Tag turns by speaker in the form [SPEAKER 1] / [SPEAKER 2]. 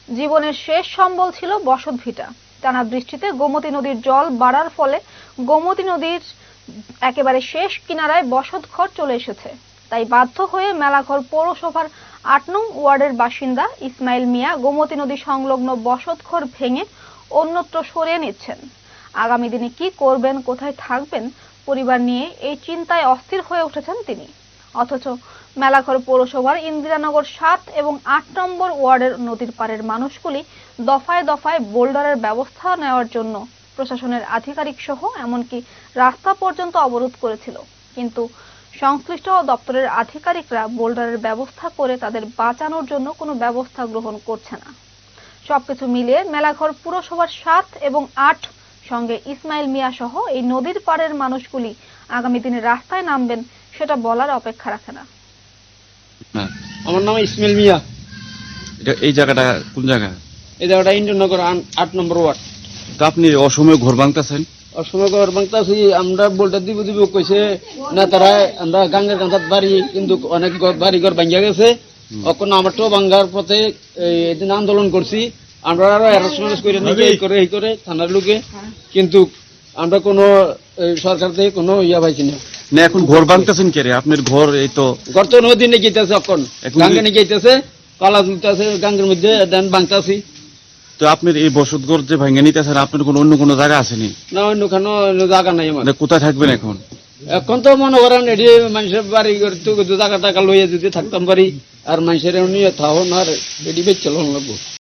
[SPEAKER 1] জীবনের শেষ সম্বল ছিল বসতভিটা। টানা বৃষ্টিতে গোমতী নদীর জল বাড়ার ফলে গোমতী নদীর একেবারে শেষ কিনারায় বসতঘর চলে এসেছে। তাই বাধ্য হয়ে মেলাঘর পৌরসভার ৮ নং ওয়ার্ডের বাসিন্দা ইসমাইল মিয়া গোমতী নদী সংলগ্ন বসতঘর ভেঙে অন্যত্র সরিয়ে নিচ্ছেন। আগামী দিনে কি করবেন, কোথায় থাকবেন, পরিবার নিয়ে এই চিন্তায় অস্থির হয়ে উঠেছেন তিনি। অথচ মেলাঘর পৌরসভার ইন্দিরানগর ৭ এবং ৮ নম্বর ওয়ার্ডের নদীর পাড়ের মানুষগুলি দফায় দফায় বোল্ডারের ব্যবস্থা নেওয়ার জন্য প্রশাসনের আধিকারিক সহ এমনকি রাস্তা পর্যন্ত অবরোধ করেছিল, কিন্তু সংশ্লিষ্ট দপ্তরের আধিকারিকরা বোল্ডারের ব্যবস্থা করে তাদের বাঁচানোর জন্য কোনো ব্যবস্থা গ্রহণ করছে না। সবকিছু মিলিয়ে মেলাঘর পুরসভার ৭ এবং ৮ সঙ্গে ইসমাইল মিয়া সহ এই নদীর পাড়ের মানুষগুলি আগামী দিনে রাস্তায় নামবেন সেটা বলার অপেক্ষা রাখে না।
[SPEAKER 2] আমার নাম ইসমাইল মিয়া।
[SPEAKER 3] এই জায়গাটা কোন জায়গা?
[SPEAKER 2] এই জায়গাটা ইন্দ্রনগর ৮ নম্বর ওয়ার্ড।
[SPEAKER 3] তো আপনি অসময়ে ঘর ভাঙতেছেন?
[SPEAKER 2] অসময় ঘর ভাঙতেছি, আমরা বলটা দিব কইছে না, তারা আমরা গাঙ্গের কাঁথাত বাড়ি, কিন্তু অনেক বাড়ি ঘর ভাঙ্গিয়া গেছে। এখন আমার তো ভাঙ্গার পথে এদিন আন্দোলন করছি, আমরা আরো হ্যারাসমেন্ট করে নাকি এই করে থানার লোকে, কিন্তু আমরা কোনো সরকার থেকে কোনো ইয়া পাইছি না।
[SPEAKER 3] না, এখন ঘর ভাঙতেছেন কে রে? আপনার ঘর এই তো
[SPEAKER 2] ঘর তো নদী নিয়ে গেতেছে, এখন গাঙ্গে নিয়ে গেতেছে, পালা তুলতেছে গাঙ্গের মধ্যে, দেন ভাঙতেছি।
[SPEAKER 3] তো আপনার এই বসতঘর যে ভাঙে নিতেছেন, আপনার কোনো অন্য কোনো জায়গা আসেনি?
[SPEAKER 2] না, অন্য কোনো জায়গা নাই আমার।
[SPEAKER 3] কোথায় থাকবেন এখন?
[SPEAKER 2] এখন তো মনে করেন এটি মানুষের বাড়ি জায়গা টাকা লইয়া যদি থাকতাম পারি, আর মানুষের এমনি থাকুন, আর এটি বেচ চলন লাগবো।